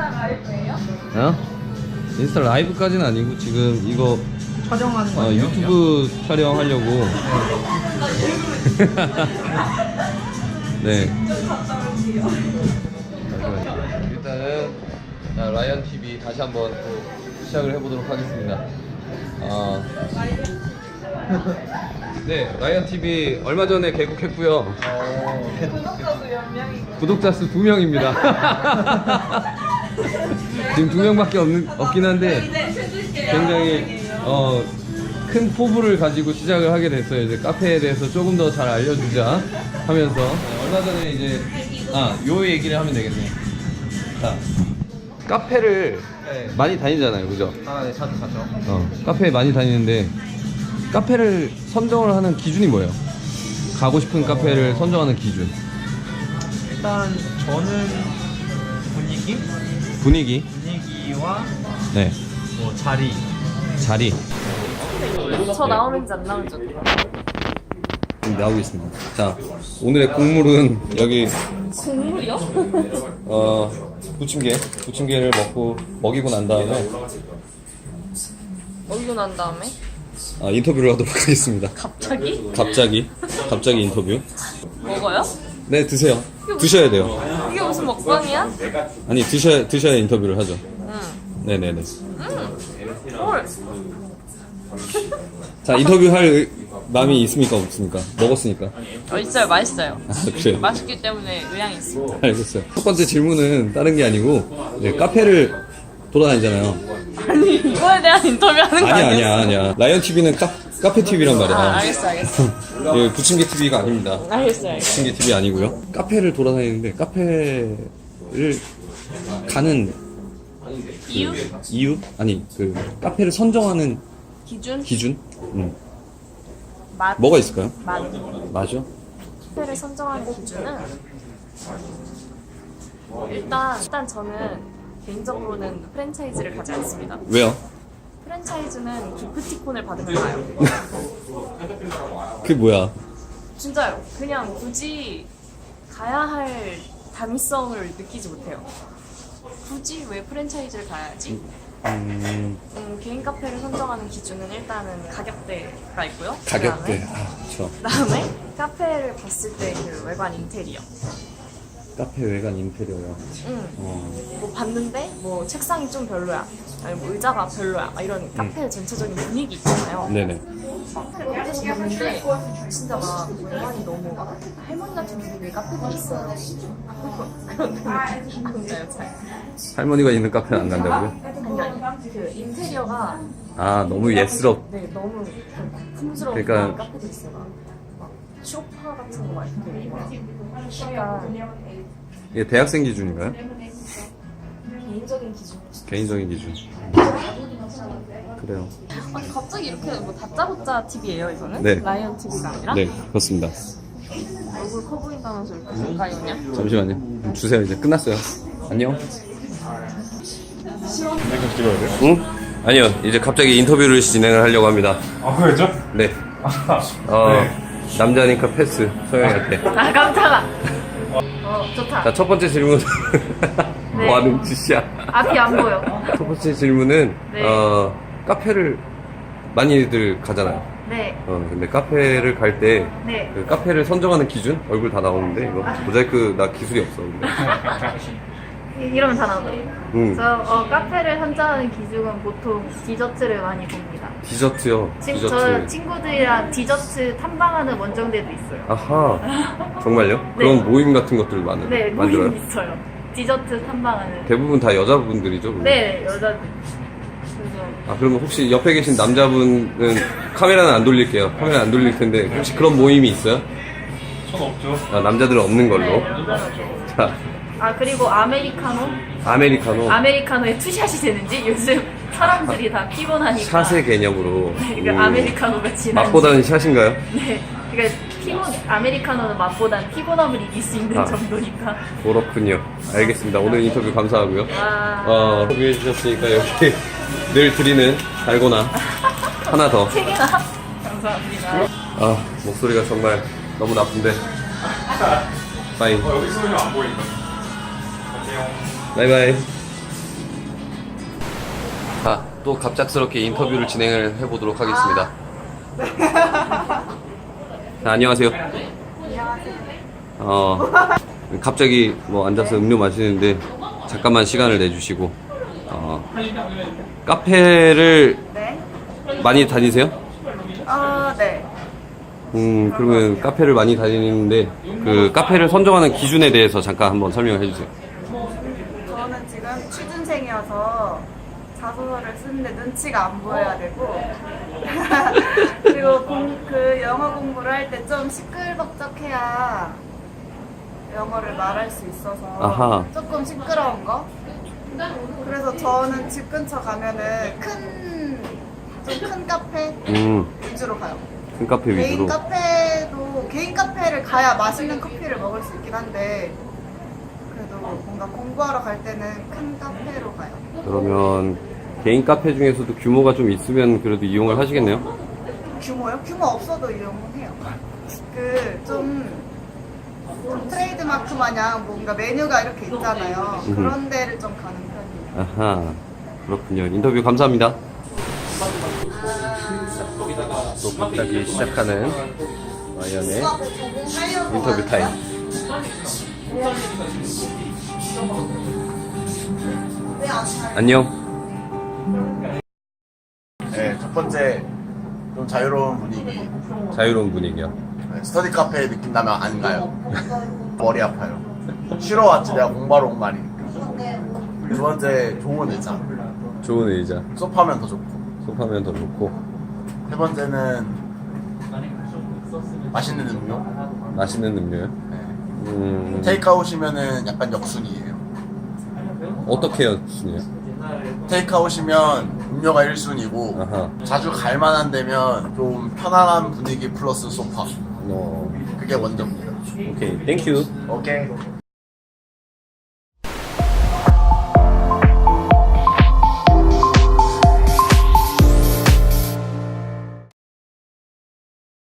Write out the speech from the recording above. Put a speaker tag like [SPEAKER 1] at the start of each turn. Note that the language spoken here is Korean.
[SPEAKER 1] 인스타 라이브예요?
[SPEAKER 2] 어? 인스타 라이브까지는 아니고 지금 이거
[SPEAKER 3] 촬영하는 거 아니에요?
[SPEAKER 2] 유튜브 촬영하려고. 네. 일단은 라이언 TV 다시 한번 또 시작을 해보도록 하겠습니다. 네, 라이언 TV 얼마 전에 개국했고요.
[SPEAKER 1] 구독자 수 몇 명이고?
[SPEAKER 2] 구독자 수 2명입니다. 지금 2명밖에 없긴 한데 굉장히 큰 포부를 가지고 시작을 하게 됐어요. 이제 카페에 대해서 조금 더 잘 알려주자 하면서 얼마 전에 이제 요 얘기를 하면 되겠네요. 자, 카페를
[SPEAKER 3] 네.
[SPEAKER 2] 많이 다니잖아요, 그죠?
[SPEAKER 3] 네, 자주 가죠.
[SPEAKER 2] 카페에 많이 다니는데 카페를 선정을 하는 기준이 뭐예요? 가고 싶은 카페를 선정하는 기준.
[SPEAKER 3] 일단 저는 분위기와
[SPEAKER 2] 네,
[SPEAKER 3] 뭐 자리.
[SPEAKER 1] 저 나오는지 안 나오는지 어떡해?
[SPEAKER 2] 지금 나오고 있습니다. 자, 오늘의 국물은 여기
[SPEAKER 1] 국물이요?
[SPEAKER 2] 부침개를 먹이고 난 다음에
[SPEAKER 1] 먹이고 난 다음에?
[SPEAKER 2] 인터뷰를 하도록 하겠습니다.
[SPEAKER 1] 갑자기?
[SPEAKER 2] 갑자기 인터뷰.
[SPEAKER 1] 먹어요?
[SPEAKER 2] 네, 드세요. 드셔야 돼요.
[SPEAKER 1] 이게 무슨 먹방이야?
[SPEAKER 2] 아니, 드셔야 인터뷰를 하죠.
[SPEAKER 1] 응.
[SPEAKER 2] 네네네.
[SPEAKER 1] 헐.
[SPEAKER 2] 자, 인터뷰할 마음이 있습니까, 없습니까? 먹었으니까.
[SPEAKER 1] 있어요. 맛있어요.
[SPEAKER 2] 그래요.
[SPEAKER 1] 맛있기 때문에 의향이 있습니다.
[SPEAKER 2] 알겠어요. 첫 번째 질문은 다른 게 아니고 이제 카페를 돌아다니잖아요.
[SPEAKER 1] 아니 이거에 대한 인터뷰하는 거 아니야?
[SPEAKER 2] 아니야. 라이언 TV는 카페 TV란 말이야.
[SPEAKER 1] 알겠어.
[SPEAKER 2] 예, 부침개 TV가 아닙니다.
[SPEAKER 1] 알겠어요.
[SPEAKER 2] 부침개 TV 아니고요. 카페를 돌아다니는데 카페를 가는 이유? 아니, 그 카페를 선정하는
[SPEAKER 1] 기준? 맛.
[SPEAKER 2] 뭐가 있을까요?
[SPEAKER 1] 맛.
[SPEAKER 2] 맞아?
[SPEAKER 1] 카페를 선정하는 기준은 일단 저는 개인적으로는 프랜차이즈를 가지 않습니다.
[SPEAKER 2] 왜요?
[SPEAKER 1] 프랜차이즈는 기프티콘을 받으면 가요.
[SPEAKER 2] 그게 뭐야?
[SPEAKER 1] 진짜요. 그냥 굳이 가야 할 당위성을 느끼지 못해요. 굳이 왜 프랜차이즈를 가야지? 개인 카페를 선정하는 기준은 일단은 가격대가 있고요.
[SPEAKER 2] 가격대. 그쵸.
[SPEAKER 1] 그다음에 카페를 봤을 때 그 외관 인테리어.
[SPEAKER 2] 카페 외관 인테리어요.
[SPEAKER 1] 뭐 봤는데 뭐 책상이 좀 별로야. 아니 뭐 의자가 별로야. 이런 카페의 전체적인 분위기 있잖아요.
[SPEAKER 2] 네네.
[SPEAKER 1] 카페에서 봤는데 진짜 막 외관이 너무 할머니 같은 분위기의 카페들이 있어요. 그런가요, 잘?
[SPEAKER 2] 할머니가 있는 카페는 안 간다고요?
[SPEAKER 1] 아니 그 인테리어가
[SPEAKER 2] 너무 예스럽.
[SPEAKER 1] 네 너무 풍스러운
[SPEAKER 2] 그러니까-
[SPEAKER 1] 카페들 있어요. 막 쇼파 같은 거 막 이렇게 약간
[SPEAKER 2] 이게 대학생 기준인가요?
[SPEAKER 1] 개인적인 기준.
[SPEAKER 2] 개인적인 기준. 그래요.
[SPEAKER 1] 아니 갑자기 이렇게 뭐 다짜고짜 TV예요 이거는?
[SPEAKER 2] 네.
[SPEAKER 1] 라이언 TV가 아니라?
[SPEAKER 2] 네, 그렇습니다.
[SPEAKER 1] 얼굴 커 보인다면서 이렇게 가까이 오냐?
[SPEAKER 2] 잠시만요. 주세요. 이제 끝났어요. 안녕.
[SPEAKER 4] 찍어야 돼요?
[SPEAKER 2] 응? 아니요. 이제 갑자기 인터뷰를 진행을 하려고 합니다.
[SPEAKER 4] 그랬죠?
[SPEAKER 2] 네. 남자니까 패스. 소영이한테.
[SPEAKER 1] 깜짝아. 좋다.
[SPEAKER 2] 자, 첫 번째 질문.
[SPEAKER 1] 네.
[SPEAKER 2] 뭐 하는 짓이야?
[SPEAKER 1] 앞이 안 보여.
[SPEAKER 2] 첫 번째 질문은,
[SPEAKER 1] 네.
[SPEAKER 2] 카페를 많이들 가잖아요.
[SPEAKER 1] 네.
[SPEAKER 2] 근데 카페를 갈 때,
[SPEAKER 1] 네.
[SPEAKER 2] 그 카페를 선정하는 기준? 얼굴 다 나오는데, 이거. 모자이크 나 기술이 없어. 근데.
[SPEAKER 5] 이러면 다 나오더라고요.
[SPEAKER 2] 응.
[SPEAKER 5] 저 카페를 선정하는 기준은 보통 디저트를 많이 봅니다.
[SPEAKER 2] 디저트요.
[SPEAKER 5] 저
[SPEAKER 2] 디저트.
[SPEAKER 5] 친구들이랑 디저트 탐방하는 원정대도 있어요.
[SPEAKER 2] 아하. 정말요?
[SPEAKER 5] 네.
[SPEAKER 2] 그런 모임 같은 것들을
[SPEAKER 5] 네,
[SPEAKER 2] 만들어요?
[SPEAKER 5] 모임 있어요. 디저트 탐방하는.
[SPEAKER 2] 대부분 다 여자분들이죠? 그러면?
[SPEAKER 5] 네, 여자들. 그래서
[SPEAKER 2] 그러면 혹시 옆에 계신 남자분은 카메라는 안 돌릴게요. 카메라 안 돌릴 텐데 혹시 그런 모임이 있어요?
[SPEAKER 4] 전 없죠.
[SPEAKER 2] 남자들은 없는 걸로.
[SPEAKER 5] 네, 여자들.
[SPEAKER 2] 자,
[SPEAKER 5] 그리고 아메리카노?
[SPEAKER 2] 아메리카노.
[SPEAKER 5] 아메리카노에 투샷이 되는지 요즘 사람들이 다 피곤하니까.
[SPEAKER 2] 샷의 개념으로.
[SPEAKER 5] 네, 그러니까 아메리카노가 진한지.
[SPEAKER 2] 맛보다는 샷인가요?
[SPEAKER 5] 네. 그러니까 아메리카노는 맛보단 피곤함을 이길 수 있는 정도니까.
[SPEAKER 2] 그렇군요. 알겠습니다. 오늘 인터뷰 감사하고요.
[SPEAKER 5] 와.
[SPEAKER 2] 인터뷰 해주셨으니까 여기 늘 드리는 달고나 하나 더.
[SPEAKER 5] 책이나. 감사합니다.
[SPEAKER 2] 목소리가 정말 너무 나쁜데. 빠이.
[SPEAKER 4] 여기 소리는 안 보인다. 안녕.
[SPEAKER 2] 바이바이. 자, 또 갑작스럽게 인터뷰를 진행을 해보도록 하겠습니다. 자, 안녕하세요. 갑자기 뭐 앉아서 음료 마시는데 잠깐만 시간을 내주시고 카페를
[SPEAKER 6] 네.
[SPEAKER 2] 많이 다니세요?
[SPEAKER 6] 네.
[SPEAKER 2] 그러면 카페를 많이 다니는데 그 카페를 선정하는 기준에 대해서 잠깐 한번 설명해 주세요.
[SPEAKER 6] 저는 지금 취준생이어서 자소서를 쓰는데 눈치가 안 보여야 되고 그리고 그 영어 공부를 할 때 좀 시끌벅적해야 영어를 말할 수 있어서
[SPEAKER 2] 아하.
[SPEAKER 6] 조금 시끄러운 거. 그래서 저는 집 근처 가면은 좀 큰 카페 위주로 가요.
[SPEAKER 2] 큰 카페 위주로.
[SPEAKER 6] 개인 카페를 가야 맛있는 커피를 먹을 수 있긴 한데 그래도 뭔가 공부하러 갈 때는 큰 카페로 가요.
[SPEAKER 2] 그러면 개인 카페 중에서도 규모가 좀 있으면 그래도 이용을 하시겠네요?
[SPEAKER 6] 규모요? 규모 없어도 이용해요. 좀 트레이드마크 마냥 뭔가 메뉴가 이렇게 있잖아요. 그런 데를 좀 가는 편이에요.
[SPEAKER 2] 아하, 그렇군요. 인터뷰 감사합니다. 또 갑자기 시작하는 마이언의 인터뷰 타임. 안녕.
[SPEAKER 7] 네, 첫 번째 좀 자유로운 분위기.
[SPEAKER 2] 자유로운 분위기야.
[SPEAKER 7] 네, 스터디 카페 느낌 나면 안 가요. 머리 아파요. 쉬러 왔지 내가 공부하러 온 거 아니니까. 두 번째 좋은 의자.
[SPEAKER 2] 좋은 의자.
[SPEAKER 7] 소파면 더 좋고.
[SPEAKER 2] 소파면 더 좋고.
[SPEAKER 7] 세 번째는 맛있는 음료.
[SPEAKER 2] 맛있는 음료요?
[SPEAKER 7] 네. 테이크아웃이면은 약간 역순이에요.
[SPEAKER 2] 어떻게 해요?
[SPEAKER 7] 테이크아웃이면 음료가 1순위고
[SPEAKER 2] 아하.
[SPEAKER 7] 자주 갈 만한 데면 좀 편안한 분위기 플러스 소파. 그게 먼저입니다.
[SPEAKER 2] 오케이, 땡큐.
[SPEAKER 7] 오케이.